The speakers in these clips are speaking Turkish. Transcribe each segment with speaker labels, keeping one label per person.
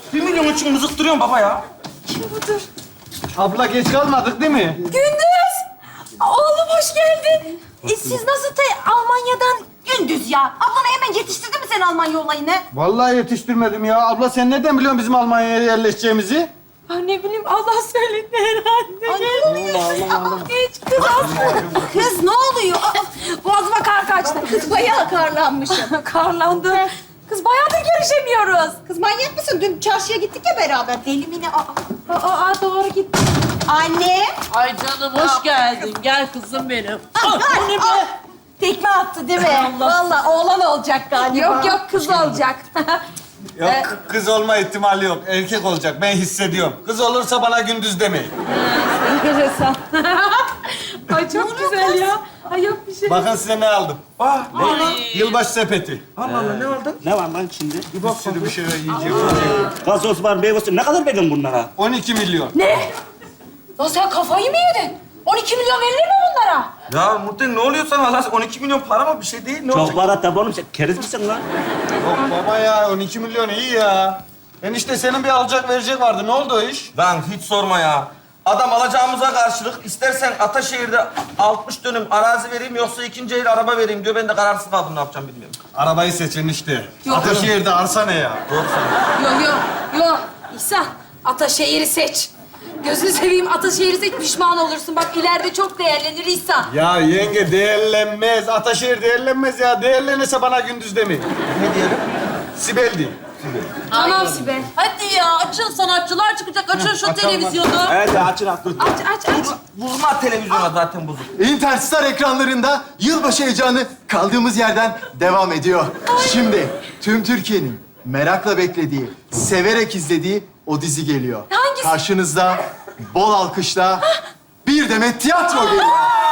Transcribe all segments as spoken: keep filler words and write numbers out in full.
Speaker 1: Bir milyon için mızıktırıyorsun baba ya.
Speaker 2: Kim budur?
Speaker 3: Abla geç kalmadık değil mi?
Speaker 2: Gündüz! Oğlum hoş geldin. E, siz nasıl te Almanya'dan Gündüz ya? Ablan hemen yetiştirdi mi sen Almanya olayını?
Speaker 3: Vallahi yetiştirmedim ya. Abla sen nereden biliyorsun bizim Almanya'ya yerleşeceğimizi?
Speaker 2: Ay ne bileyim Allah söyledi herhalde. Ay ne oluyor? Aa, geç kız Aslı. Kız ne oluyor? Aa, boğazıma kar kaçtı. Kız bayağı karlanmışım. Karlandı. Kız bayağıdır görüşemiyoruz. Kız manyak mısın? Dün çarşıya gittik ya beraber. Deli mi ne? Aa, aa, aa doğru gittik. Anne.
Speaker 4: Ay canım hoş geldin. Gel kızım benim.
Speaker 2: Anne be. Tekme attı değil mi? Vallahi oğlan olacak galiba. Yok yok kız olacak.
Speaker 3: Yok kız olma ihtimali yok. Erkek olacak. Ben hissediyorum. Kız olursa bana gündüz demeyin.
Speaker 2: Enteresan. Ay çok güzel ya. Ay yok bir şey.
Speaker 3: Bakın size ne aldım.
Speaker 1: Aa,
Speaker 3: Yılbaşı sepeti.
Speaker 1: Allah Allah ne aldın?
Speaker 5: Ne var lan içinde?
Speaker 3: Bir sürü bir şeyler yiyecek.
Speaker 5: Gazoz var, meyve suyu. Ne kadar verdin bunlara?
Speaker 3: on iki milyon.
Speaker 2: Ne? Lan sen kafayı mı yedin? on iki milyon verilir mi bunlara?
Speaker 1: Ya Muhtemelen ne oluyor sana Allah? on iki milyon para mı? Bir şey değil. Ne
Speaker 5: Çok
Speaker 1: olacak?
Speaker 5: para tabii oğlum. Sen keriz misin lan?
Speaker 3: Yok baba ya on iki milyon iyi ya. Enişte senin bir alacak verecek vardı. Ne oldu o iş?
Speaker 1: Lan hiç sorma ya. Adam alacağımıza karşılık istersen Ataşehir'de altmış dönüm arazi vereyim yoksa ikinci el araba vereyim diyor. Ben de kararsız kaldım ne yapacağım bilmiyorum.
Speaker 3: Arabayı seç enişte.
Speaker 2: Yok.
Speaker 3: Ataşehir'de arsa ne ya?
Speaker 1: Doğru söylüyorsun.
Speaker 2: Yok yok yok. İhsan Ataşehir'i seç. Gözünü seveyim Ataşehir'i seç pişman olursun. Bak ileride çok değerlenir İhsan.
Speaker 3: Ya yenge değerlenmez. Ataşehir değerlenmez ya. Değerlenirse bana gündüz demeyin.
Speaker 1: Ne diyelim?
Speaker 3: Sibel değil.
Speaker 2: Tamam Sibel.
Speaker 4: Hadi ya açın sanatçılar çıkacak. Açın şu televizyonu.
Speaker 5: Evet, açın açın.
Speaker 2: Aç aç aç.
Speaker 1: Vurma televizyona zaten bozuk.
Speaker 6: Interstar ekranlarında yılbaşı heyecanı kaldığımız yerden devam ediyor. Şimdi tüm Türkiye'nin merakla beklediği, severek izlediği o dizi geliyor.
Speaker 2: Hangisi?
Speaker 6: Karşınızda bol alkışla bir demet tiyatro geliyor.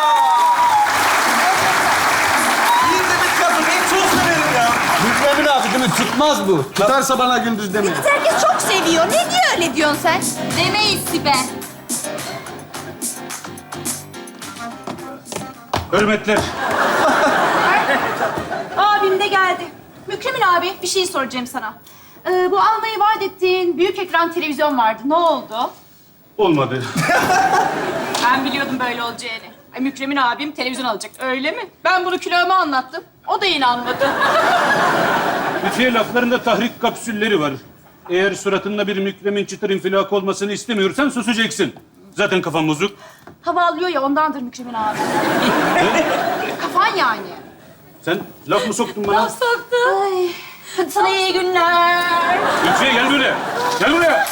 Speaker 1: Bir demek kadın en çok severim ya.
Speaker 3: Mükremin abi değil mi? Tutmaz bu. Tutarsa bana gündüz demeyin.
Speaker 2: Herkes çok seviyor. Ne diye öyle diyorsun sen? Demeyiz Sibel.
Speaker 5: Hürmetler.
Speaker 7: Abim de geldi. Mükremin abi bir şey soracağım sana. Ee, bu almayı vaat ettiğin büyük ekran televizyon vardı. Ne oldu?
Speaker 5: Olmadı.
Speaker 7: Ben biliyordum böyle olacağını. Ay, Mükremin abim televizyon alacak. Öyle mi? Ben bunu külahıma anlattım. O da inanmadı.
Speaker 8: Lütfiye laflarında tahrik kapsülleri var. Eğer suratında bir mükremin çıtır infilak olmasını istemiyorsan susacaksın. Zaten kafan bozuk.
Speaker 7: Hava alıyor ya ondandır Mükremin abi. Kafan yani.
Speaker 8: Sen laf mı soktun bana?
Speaker 2: Soktu. Ay. Hadi sana iyi günler.
Speaker 8: Lütfiye gel buraya. Gel buraya.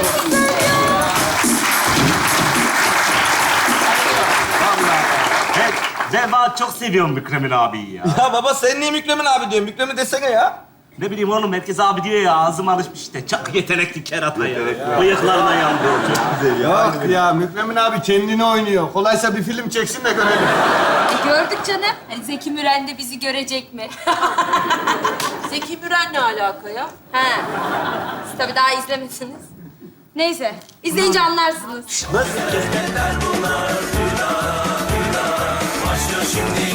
Speaker 5: Ben, ben daha çok seviyorum Mükremin abiyi ya.
Speaker 1: Ya baba sen niye Mükremin abi diyorsun? Mükremin desene ya.
Speaker 5: Ne bileyim oğlum, herkes abi diyor ya. Ağzım alışmış işte. Çok yetenekli kerata ya. Bıyıklarına yandı. Çok güzel.
Speaker 3: Yok ya Mükremin abi kendini oynuyor. Kolaysa bir film çeksin de görelim.
Speaker 2: E, gördük canım. Hani Zeki Müren de bizi görecek mi?
Speaker 4: Zeki Müren ne alaka ya?
Speaker 2: He. Siz tabii daha izlemediniz. Neyse. izleyince anlarsınız.
Speaker 5: Nasıl?